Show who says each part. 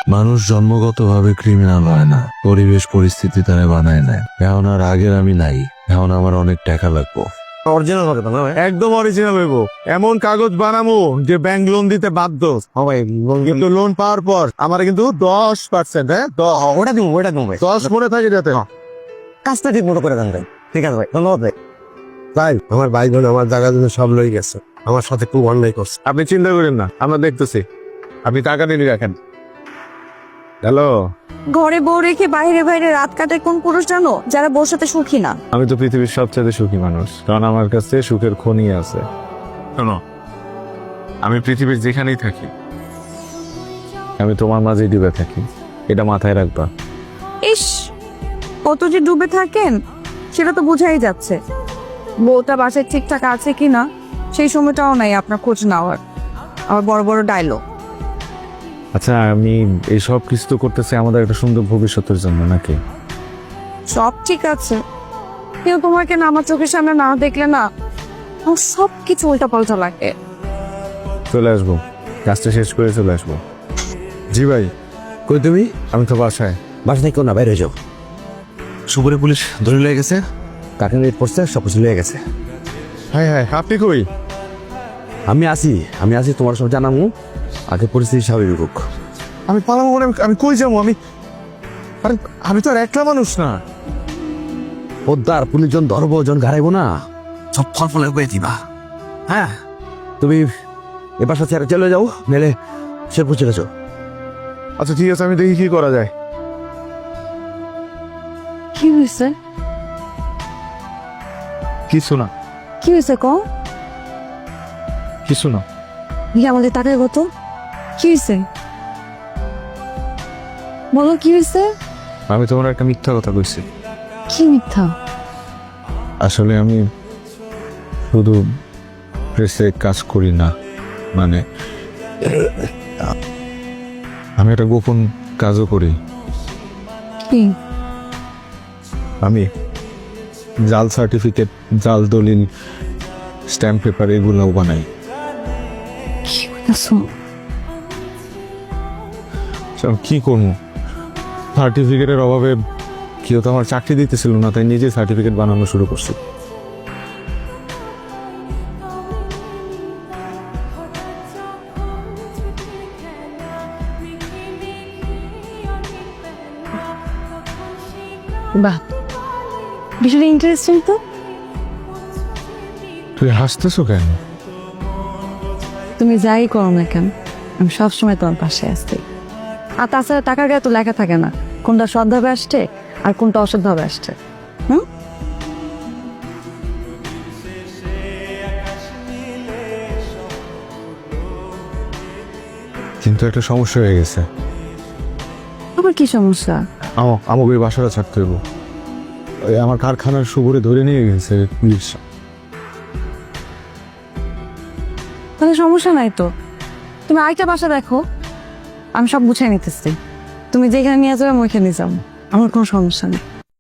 Speaker 1: মানুষ জন্মগতভাবে ক্রিমিনাল হয় না, পরিবেশ পরিস্থিতি তারা বানায় নেয়। এখন আর আগের আমি নাই, এখন আমার অনেক টাকা লাগবো।
Speaker 2: অরিজিনাল হবে না ভাই?
Speaker 3: একদম অরিজিনাল হইব। এমন কাগজ বানামু যে ব্যাংক লোন দিতে বাধ্য।
Speaker 2: হ্যাঁ ভাই,
Speaker 3: কিন্তু লোন পাওয়ার পর আমার কিন্তু 10%, হ্যাঁ
Speaker 2: ওটা দিব ভাই।
Speaker 3: 10 মনে থাকে যাতে।
Speaker 2: কাজটা ঠিক মতো করে দেন ভাই। ঠিক আছে ভাই, ধন্যবাদ ভাই।
Speaker 4: ভাই আমার ভাই বোন আমার জায়গা জন্য সব লই গেছে, আমার সাথে খুব অন্যায় করছে।
Speaker 3: আপনি চিন্তা করেন না, আমরা দেখতেছি। আপনি টাকা নিয়ে রাখেন। হ্যালো,
Speaker 5: ঘরে বউ রেখে বাইরে বাইরে রাত কাটে কোন পুরুষ জানো? যারা বউর সাথে সুখী না।
Speaker 3: আমি তো পৃথিবীর সবচেয়ে সুখী মানুষ, কারণ আমার কাছে সুখের খনি আছে। শোনো, আমি পৃথিবীর যেখানেই থাকি, আমি তোমার মাঝেই ডুবে থাকি, এটা মাথায় রাখবা।
Speaker 5: ইস, কত যে ডুবে থাকেন সেটা তো বোঝাই যাচ্ছে। বউটা বাসায় ঠিকঠাক আছে কিনা সেই সময়টাও নাই আপনার খোঁজ নেওয়ার। আবার বড় বড় ডায়লগ।
Speaker 3: আচ্ছা, আমি এই সব কিছু তো করতেছি আমাদের একটা সুন্দর ভবিষ্যতের জন্য, নাকি?
Speaker 5: সব ঠিক আছে, কিন্তু তোমাকে না আমার চোখের সামনে না দেখলে না আমার সব কিছু উল্টা পাল্টা লাগে।
Speaker 3: চলে আসবো, কাজটা শেষ করে চলে আসবো। জি ভাই,
Speaker 4: কই তুমি?
Speaker 3: আমি তো বাসায়।
Speaker 4: বাসা থেকে না, বাইরে হয়ে যাও। সুপুরে পুলিশ ধরে লয়ে গেছে, কাকে রেট পড়ছে, সব কিছু লয়ে গেছে।
Speaker 3: হ্যাঁ হ্যাঁ, আপনি কই?
Speaker 4: আমি আছি তোমার সব জানামু, আগে পরিস্থিতি স্বাভাবিক হোক।
Speaker 3: আমি পালাবো মানে আমি কই যাবো? আরে আমি তো আর একলা মানুষ না।
Speaker 4: পোদ্দার পুলিশ জন ধরবো, জন ঘাড়াইবো না, সব ফল ফলে হয়ে দিবা। হ্যাঁ, তুমি এবার সাথে চলে যাও, মেলে শেরপুর চলে যাও।
Speaker 3: আচ্ছা ঠিক আছে, আমি দেখি কি করা যায়।
Speaker 5: কি হয়েছে?
Speaker 3: কিছু না,
Speaker 5: কি হয়েছে ক?
Speaker 3: কিছু না।
Speaker 5: আমাদের টাকার কত? কি হয়েছে বলো, কি হয়েছে?
Speaker 3: আমি তোমার একটা মিথ্যা কথা কইছি।
Speaker 5: কি মিথ্যা?
Speaker 3: আসলে আমি শুধু প্রেসে কাজ করি না, মানে আমি একটা গোপন কাজও করি।
Speaker 5: কি?
Speaker 3: আমি জাল সার্টিফিকেট, জাল দলিল, স্ট্যাম্প পেপার এগুলোও বানাই।
Speaker 5: কি বলছো?
Speaker 3: কি করবো, সার্টিফিকেটের অভাবে কেউ তো আমার চাকরি দিতেছিল না, তাই নিজে সার্টিফিকেট বানানো শুরু করছি।
Speaker 5: বাহ, বিষয়টা ইন্টারেস্টিং তো।
Speaker 3: তুই হাসতেছো কেন?
Speaker 5: তুমি যাই করো না কেন, আমি সবসময় তোমার পাশে আসছি। আর তাছাড়া টাকার গায়ে তো লেখা থাকে না কোনটা সৎভাবে আসছে আর কোনটা অসৎভাবে আসছে।
Speaker 3: কিন্তু একটা সমস্যা হয়ে গেছে।
Speaker 5: আবার কি সমস্যা?
Speaker 3: আমাকে ওই বাসাটা ছাড়তে হইব। ওই আমার কারখানার সুবরে ধরে নিয়ে গেছে পুলিশ।
Speaker 5: তাহলে সমস্যা নাই তো, তুমি আরেকটা বাসা দেখো, আমি সব গুছিয়ে নিতেছি। তুমি যেখানে নিয়ে যাবে আমি ওইখানে যাবো, আমার কোনো সমস্যা নেই।